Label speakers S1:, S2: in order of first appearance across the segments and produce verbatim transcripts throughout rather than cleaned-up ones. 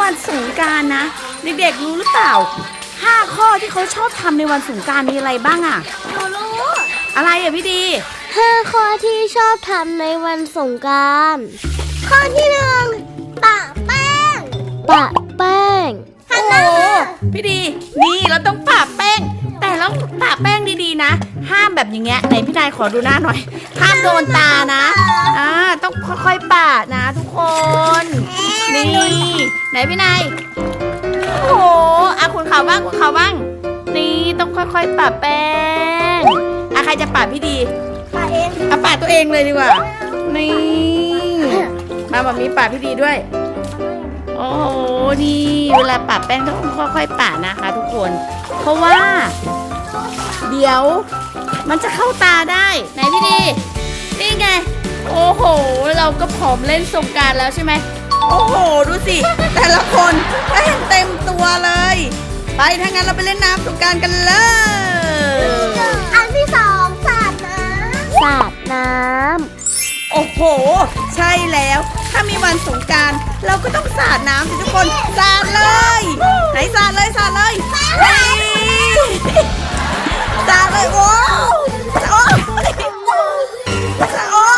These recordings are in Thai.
S1: วันสงกรานต์นะเด็กๆรู้หรือเปล่าห้าข้อที่เขาชอบทำในวันสงกรานต์มีอะไรบ้างอ่ะ
S2: หนูรู้
S1: อะไรอ่ะพี่ดี
S2: ห้าข้อที่ชอบทำในวันสงกรานต์ข้อที่หนึ่งปะแป้งปะแป้ง
S1: โอ้พี่ดีนี่เราต้องปะแป้งแต่เราปะแป้งดีๆนะห้ามแบบอย่างเงี้ยไหนพี่นายขอดูหน้าหน่อยห้ามโดนตานะอ่าต้องค่อยๆปะนะทุกคนนี่ไหนพี่นายโอ้โหอ่ะคุณเขาบ้างคุณเขาบ้างนี่ต้องค่อยๆปะแป้งอ่ะใครจะปะพี่ดี
S2: ปะเอง
S1: อ่ะปะตัวเองเลยดีกว่านี่มาแบบนี้ปะพี่ดีด้วยโอ้โหนี่เวลาปะแป้งต้องค่อยๆปะนะคะทุกคนเพราะว่าเดี๋ยวมันจะเข้าตาได้ไหนพี่ดีนี่ไงโอ้โหเราก็พร้อมเล่นสงกรานต์แล้วใช่ไหมโอ้โหดูสิแต่ละคนแป้งเต็มตัวเลยไปถ้างั้นเราไปเล่นน้ำสงกรานต์กันเลย
S2: อันที่สองสาดน้ำสาดน้ำ
S1: โอ้โหใช่แล้วถ้ามีวันสงกรานต์เราก็ต้องสาดน้ำสิทุกคนสาดเลยไหนสาดเลยสาดเลยสาดเลยโอ้โอ้โอ้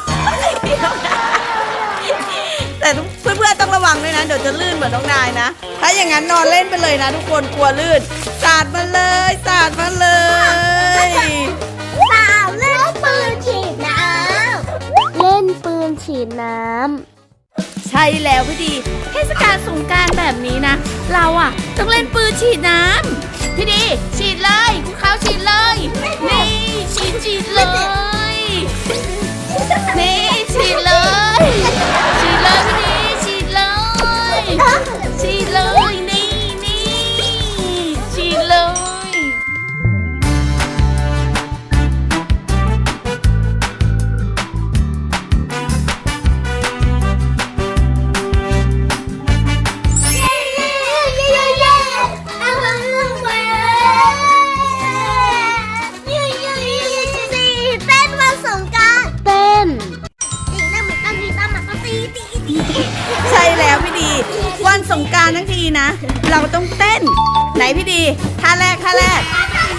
S1: แต่เพื่อนๆต้องระวังด้วยนะเดี๋ยวจะลื่นเหมือนน้องนายนะถ้าอย่างนั้นนอนเล่นไปเลยนะทุกคนกลัวลื่นสาดมาเลยสาดมาเลย
S2: สาดเล่นปืนฉีดน้ำเล่นปืนฉีดน้
S1: ำใช่แล้วพี่ดีเทศกาลสงกรานต์แบบนี้นะเราอ่ะต้องเล่นปืนฉีดน้ำพี่ดีฉีดเลยคุณเขาฉีดเลยนี่ฉีดฉีดเลยนี่ฉีดเลยฉีดเลยพี่ดีฉีดเลยฉีดเลยนี่นี่ฉีดเลยใช่แล้วพี่ดีวันสงกรานต์ทั้งทีนะเราต้องเต้นไหนพี่ดีท่าแรกท่าแรก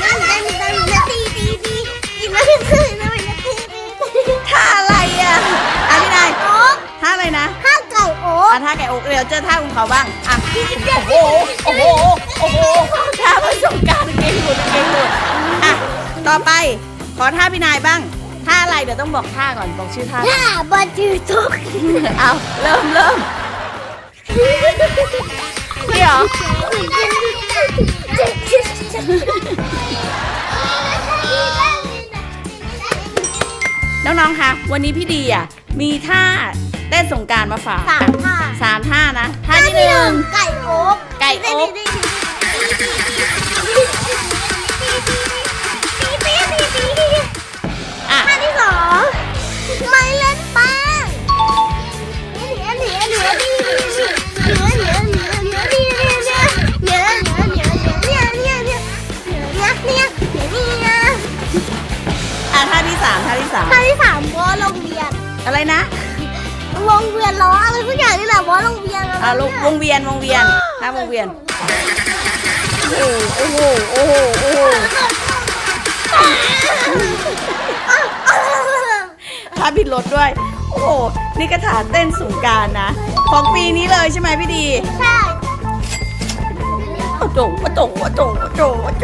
S1: ท่าอะไรอ่ะอ่ะพี่นายท่าอะไรนะ
S2: ท่าไก่โอ๊ก
S1: อ่ะท่าไก่โอ๊กเดี๋ยวเจอท่าของเขาบ้างอ่ะโอ้โหโอ้โหโอ้โหท่าวันสงกรานต์เก่งหมดเก่งหมดอ่ะต่อไปขอท่าพี่นายบ้างท่าอะไรเดี๋ยวต้องบอกท่าก่อนบอกชื่อท่า
S2: ท่าบอลจูทุก
S1: เอาเริ่มเริ่มนี่เหรอน้องๆคะวันนี้พี่ดีอ่ะมีท่าเต้นสงกรานต์มาฝาก
S2: สามท่า
S1: สามท่านะท่าที่หนึ่ง
S2: ไก่โอ๊ก
S1: ไก่โอ๊ก
S2: ท่าที่สองไม่เล่นแป้งเหนียวเหนียวเหนียวดีเหนียวเหนียวเหนียวเหนียวดีเหนียวเหนียวเหนียวเหนียวเหนียวเหนียวเหนียวเหนียวเหนียวเหนียวเหนียวเหนียว
S1: อ่ะท่าที่สามท่าที่สาม
S2: ท่าที่สามวอลงเวียน
S1: อะไรนะ
S2: วงเวียนล้ออะไรทุกอย่างนี่แหละวอลงเวียน
S1: อ่ะวงเวียนวงเวียนท่าวงเวียนโอ้โหโอ้โหโอ้โหท่าบิดรถด้วยโอ้โหนี่กระถาเต้นสงกรานต์นะของปีนี้เลยใช่ไหมพี่ดี
S2: ใช่
S1: โอ้โหโอ้โหโอ้โหโอ้โหโอ้โห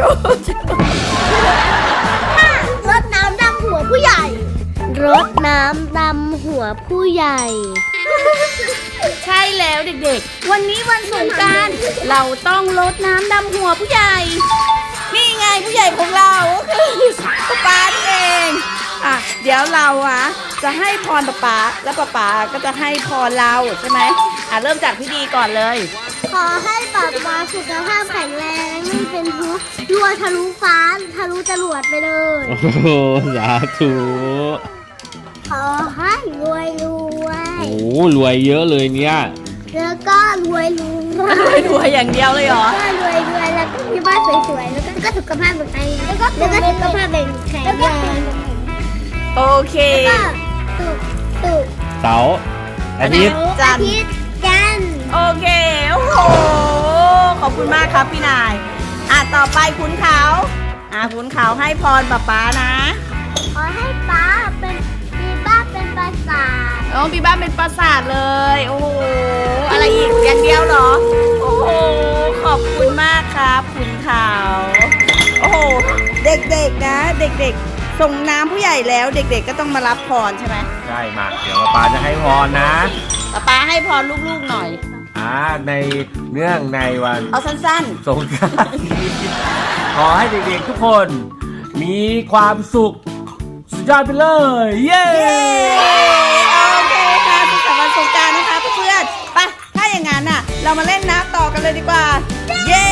S2: รดน้ำดำหัวผู้ใหญ่รดน้ำดำหัวผู้ใหญ่
S1: ใช่แล้วเด็กๆวันนี้วันสงกรานต์เราต้องรดน้ำดำหัวผู้ใหญ่นี่ไงผู้ใหญ่ของเราก็คือป๊าเองอ่ะเดี๋ยวเราอ่ะจะให้พรป๊าป๊าแล้วป๊าป๊าก็จะให้พรเราใช่ไหมอ่ะเริ่มจากพี่ดีก่อนเลย
S2: ขอให้ป๊าป๊าสุขภาพแข็งแรงไม่เป็นทุกข์รัวทะลุฟ้าทะลุจรวดไปเลย
S3: โอ้โหสาธุ
S2: ขอให้รวยรวย
S3: โอ้รวยเยอะเลยเนี่ย
S2: แล้วก็รวยรวย
S1: รวยอย่างเดียวเลยเหรอ
S2: ก็รวยรวยแล้วก็มีบ้านสวยๆแล้วก็สุขภาพแข็งแรงแล้วก็แล้วก็สุขภาพแข็งแรง
S1: โอเค
S2: ตุกตุก
S3: เสาร์อาทิตย์
S1: จันทร์
S2: จันทร์
S1: โอเคโอ้โหขอบคุณมากครับพี่นายอ่ะต่อไปคุณเขาอ่ะคุณเขาให้พรป๊าป๊านะ
S2: ขอให้ป้าเป็นมีบ้านเป็นปราสาท
S1: โอ้มีบ้านเป็นปราสาทเลยโอ้โหอะไรอีกอย่างเดียวเหรอโอ้โหขอบคุณมากครับคุณเขาโอ้โหเด็กๆนะเด็กๆส่งน้ำผู้ใหญ่แล้วเด็กๆก็ต้องมารับพรใช่ไหม
S3: ใช่มาเดี๋ยวป๊าจะให้พรนะ
S1: ป๊าป๊าให้พรลูกๆหน่อย
S3: อ่าในเนื่องในวัน
S1: เอาสั้น
S3: สงกรานต์นี้ขอให้เด็กๆทุกคน มีความสุขสุดยอดไปเลย เย้
S1: ๆ เย้โอเคค่ะสุขสันต์วันสงกรานต์นะคะเพื่อนๆไปถ้าอย่างนั้นน่ะ เรามาเล่นน้ำต่อกันเลยดีกว่า เย้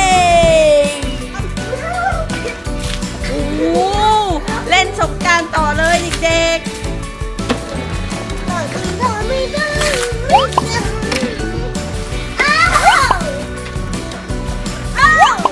S1: โอ้โหเล่นสงกรานต์ต่อเลยเด็ก
S2: ต่อคือเธอไม่ได้อ้าวอ้าว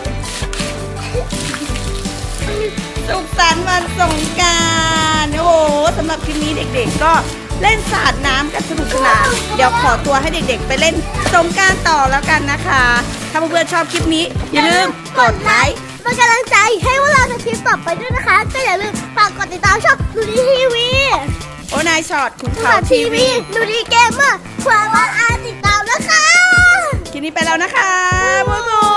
S1: ๆสุขสันต์วันสงกรานต์โอ้โหสำหรับคลิปนี้เด็กๆก็เล่นสาดน้ำกันสนุกสนานเดี๋ยวขอตัวให้เด็กๆ ไปเล่นสงกรานต์ต่อแล้วกันนะคะ ถ้าเพื่อนๆชอบคลิปนี้อย่าลืมกดไลค์
S2: เป็นกำลังใจให้พวกเราในคลิปต่อไปด้วยนะคะก็อย่าลืมฝากกดติดตามช่องดูดีทีวี
S1: โอนายช็อตคุณ
S2: ข่า
S1: ข่าว ว
S2: ที
S1: ที
S2: วี
S1: วี
S2: ดูดีเกมเมอร์ความว่าอาติดตามนะคะ
S1: คลิปนี้ไปแล้วนะคะบ๊ายบาย